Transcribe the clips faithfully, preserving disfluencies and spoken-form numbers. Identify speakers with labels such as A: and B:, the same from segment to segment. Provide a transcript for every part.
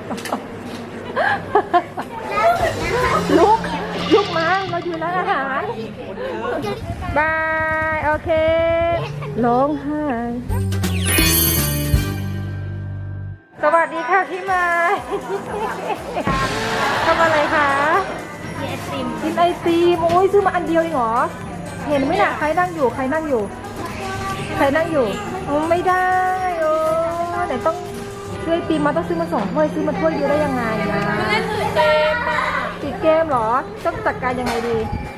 A: ลุกลุกมาเราอยู่ร้านอาหารบายโอเคร้องไห้สวัสดีค่ะพี่ไม้ทำอะไรคะกินไอติมกินไอติมโอ้ยซื้อมาอันเดียวเองเหรอเห็นไหมน่ะใครนั่งอยู่ใครนั่งอยู่ใครนั่งอยู่โอ้ไม่ได้โอ้แต่ต้องซื้อไอติมมาต้องซื้อมาสองถ้วยซื้อมาถ้วยเดียวได้ยังไงนะติดเกมติดเกมเหรอต้องจัดการยังไงดี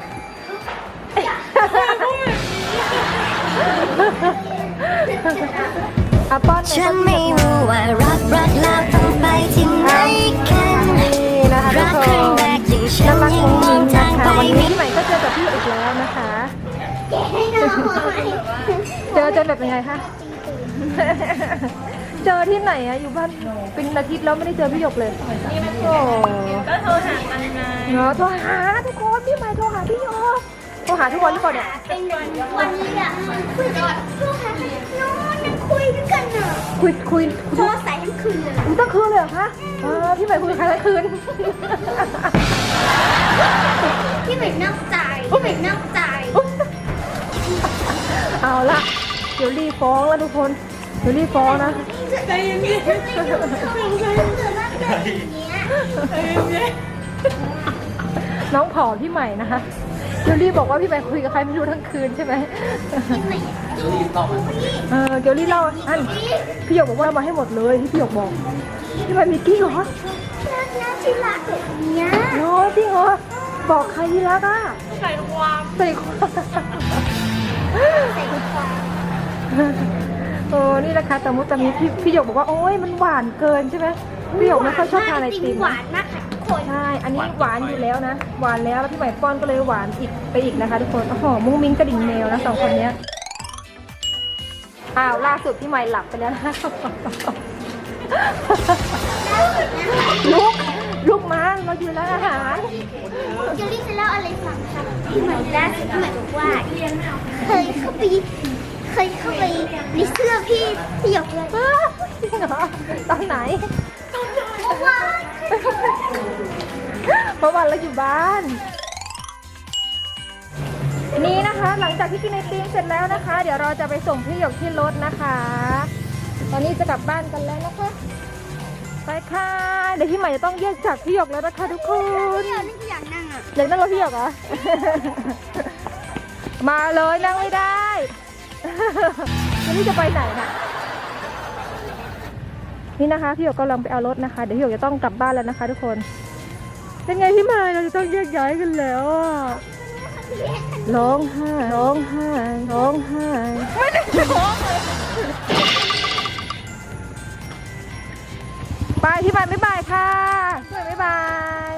A: อาป้อนฉันไม่รู้ว่ารักรักแล้วต้องไปที่ไหนกันรักครั้งแรกที่ฉันยังมองทางไปวันนี้พี่ใหม่ก็เจอกับพี่อีกแล้วนะคะเจอเจอแบบยังไงคะเจอที่ไหนอะอยู่บ้านเป็นอาทิตย์แล้วไม่ได้เจอพี่หยกเลยโอ้
B: ก็โทรหากันไง
A: เนาะโทรหาทุกคนพี่ใหม่โทรหาพี่หยกโทรหาทุกวันหรือเปล่าเนี่ย
C: เป็นวันนี้อะคุยกันโทรหาโน้นนั่งคุยด้วยกันเนอะ
A: คุยคุย
C: โทรสายทั้งคืนเลย
A: คุยตั้งคืนเลยเหรอคะพี่ใหม่คุยกับใครทั้งคืน
C: พี่ใหม่นอกใจพี่ใหม่นอกใจ
A: เอาละเดี๋ยวรีฟ้องแล้วทุกคนเดี๋ยวรีฟ้องนะ
C: ใจเย็นๆใจเย็น
A: ๆน้องผอพี่ใหม่นะคะเดี๋ยวรีบอกว่าพี่ใหม่คุยกับใครไม่รู้ทั้งคืนใช่ไหมเออเดี๋ยวรีเล่าอันพี่หยกบอกว่ามาให้หมดเลยที่พี่หยกบอกพี่ใหม่มีกี้เหรอ
C: น่าที่รักแบบนี้
A: โอ้จริงเหรอบอกใครที่รักอ่ะ
B: ใส่ความ
A: ใส่ความ
C: ใส่ความ
A: โอ้นี่นะคะแต่มุตมิพี่พี่หยกบอกว่าโอ้ยมันหวานเกินใช่ไหมพี่หยกไม่ค่อยชอบทานไอติม
C: หวานมากค่ะทุกคน
A: ใช่อันนี้หวานอยู่แล้วนะหวานแล้วแล้วพี่ใหม่ป้อนก็เลยหวานอีกไปอีกนะคะทุกคนโอ้โหมุ้งมิ้งกระดิ่งแมวนะสองคนนี้อ้าวล่าสุดพี่ใหม่หลับไปแล้วนะลุกลุกมาเราอยู่ร้านอาหาร
C: เจลลี่จะเล่าอะไรฟังคะพี่ใหม่ล่าสุดพี่ใหม่บอกว่าเคยเข้าไปเคยเข้าไปในเสื้อพี่พี่หยกเลย
A: จริงเหรอตอนไหน
C: เพราะว่า
A: เพราะวันเราอยู่บ้านนี่นะคะหลังจากที่กินไอติมเสร็จแล้วนะคะเดี๋ยวเราจะไปส่งพี่หยกที่รถนะคะตอนนี้จะกลับบ้านกันแล้วนะคะไปค่ะเดี๋ยวพี่ใหม่จะต้องแยกจากพี่หยกแล้วนะคะทุกคน
C: อยากนั่งอ่ะ
A: อยากนั่งรถพี่หยกเหรอมาเลยนั่งไม่ได้วันนี้จะไปไหนนะนี่นะคะพี่หยกกำลังไปเอารถนะคะเดี๋ยวพี่หยกจะต้องกลับบ้านแล้วนะคะทุกคนเป็นไงพี่ใหม่เราจะต้องแยกย้ายกันแล้วร้องไห้ร้องไห้ร้องไห้ไม่ได้ร้องเลยไปพี่ใหม่บ๊ายบายค่ะพี่ใหม่บ๊ายบาย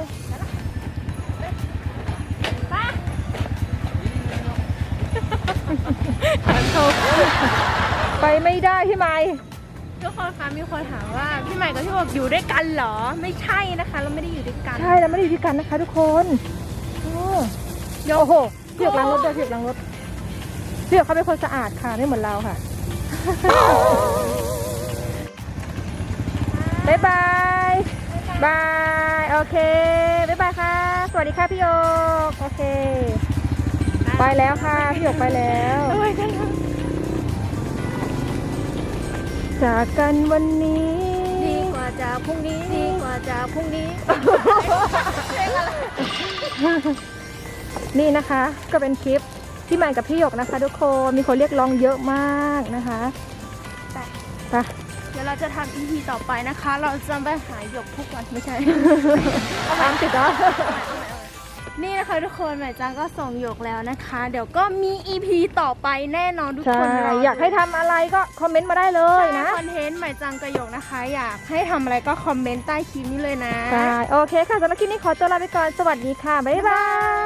A: ไปไม่ได้พี่ใหม่
B: ทุกคนคะมีคนถามว่าพี่ใหม่กับพี่บอกอยู่ด้วยกันเหรอไม่ใช่นะคะเราไม่ได้อยู่ด้วยกัน
A: ใช่เราไม่ได้อยู่ด้วยกันนะคะทุกคนเดี๋ยวโอ้โหพี่หยกล้างรถด้วยพี่หยกล้างรถพี่หยกเขาเป็นคนสะอาดค่ะไม่เหมือนเราค่ะบ๊ายบายบายโอเคบ๊ายบายค่ะสวัสดีค่ะพี่หยกโอเคไปแล้วค่ะพี่หยกไปแล้วจากกันวันนี้
B: ดีกว่าจากพรุ่งนี้ดีกว่าจากพรุ่งนี้
A: นี่นะคะก็เป็นคลิปที่ใหม่กับพี่หยกนะคะทุกคนมีคนเรียกร้องเยอะมากนะคะไป
B: เดี๋ยวเราจะทำ อี พี ต่อไปนะคะเราจะไปหาหยกทุกวันไม่ใช่
A: ตามติดแล้ว
B: นี่นะคะทุกคนใหม่จังก็ส่งหยกแล้วนะคะเดี๋ยวก็มี อี พี ต่อไปแน่นอนทุกคน
A: อยากให้ทำอะไรก็คอมเมนต์มาได้เลยนะ
B: คอนเทนต์ใหม่จังกับหยกนะคะอยากให้ทำอะไรก็คอมเมนต์ใต้คลิปนี้เลยนะ
A: ใช่โอเคค่ะสำหรับคลิปนี้ขอตัวลาไปก่อนสวัสดีค่ะบ๊ายบาย